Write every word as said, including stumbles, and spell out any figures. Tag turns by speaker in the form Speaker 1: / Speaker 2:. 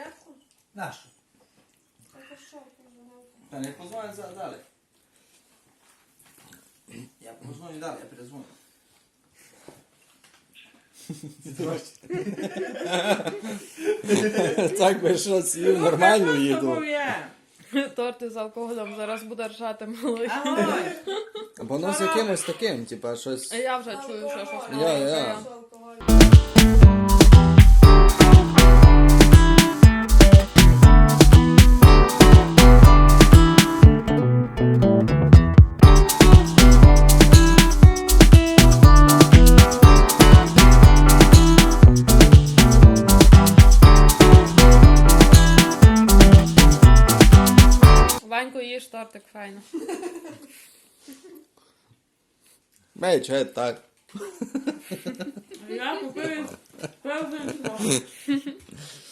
Speaker 1: зарядку?
Speaker 2: Нащо?
Speaker 1: Це що, позвонив?
Speaker 2: Та не позвонить за- далі. Я позвоню далі, я перезвоню.
Speaker 3: Так би що з'їв нормальну їду.
Speaker 4: Торти з алкоголем зараз буде ржати малий.
Speaker 1: Ой,
Speaker 3: Або ну з якимось таким, типа щось.
Speaker 4: А я вже чую, що щось
Speaker 3: Я,
Speaker 4: маленьке.
Speaker 3: я.
Speaker 1: що алкоголь.
Speaker 4: Ванько, їж тортик, файно.
Speaker 3: Мей, че так.
Speaker 4: Я купив певний.